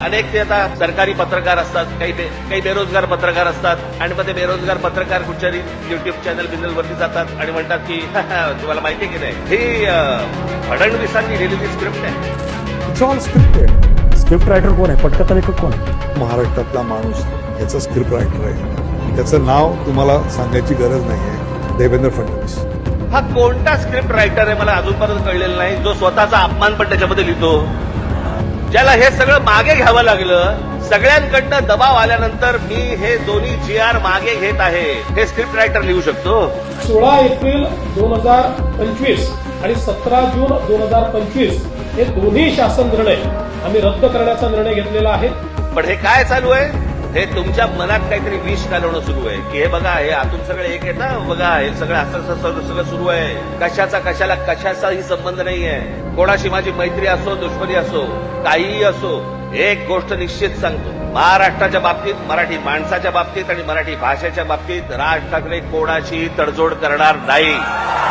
अनेक ते आता सरकारी पत्रकार असतात, काही बेरोजगार पत्रकार असतात आणि मग ते बेरोजगार पत्रकार कुठच्याही युट्यूब चॅनल वरती जातात आणि म्हणतात की तुम्हाला माहिती आहे की नाही ही फडणवीसांनी लिहिलेली स्क्रिप्ट आहे. It's all scripted. Script writer कोण आहे? पटकथा लेखक कोण आहे? महाराष्ट्रातला माणूस याचा स्क्रिप्ट रायटर आहे. त्याचं नाव तुम्हाला सांगायची गरज नाहीये. देवेंद्र फडणवीस हा कोणता स्क्रिप्ट रायटर आहे मला अजूनपर्यंत कळलेला नाही, जो स्वतःचा अपमान पण त्याच्यामध्ये लिहितो, ज्याला हे सगळं मागे घ्यावं लागलं. सगळ्यांकडनं दबाव आल्यानंतर मी हे दोन्ही GR मागे घेत आहे, हे स्क्रिप्ट रायटर लिहू शकतो. 16 एप्रिल 2025 आणि 17 जून 2025 हे दोन्ही शासन निर्णय आम्ही रद्द करण्याचा निर्णय घेतलेला आहे. पण हे काय चालू आहे? हे तुमच्या मनात काहीतरी विष घालवणं सुरू आहे की हे बघा, हे आतून सगळे एक आहे ना, बघा हे सगळं असं सगळं सुरू आहे. कशाचाही संबंध नाहीये. कोणाशी माझी मैत्री असो, दुश्मनी असो, काहीही असो, एक गोष्ट निश्चित सांगतो, महाराष्ट्राच्या बाबतीत, मराठी माणसाच्या बाबतीत आणि मराठी भाषेच्या बाबतीत राज ठाकरे कोणाची तडजोड करणार नाही.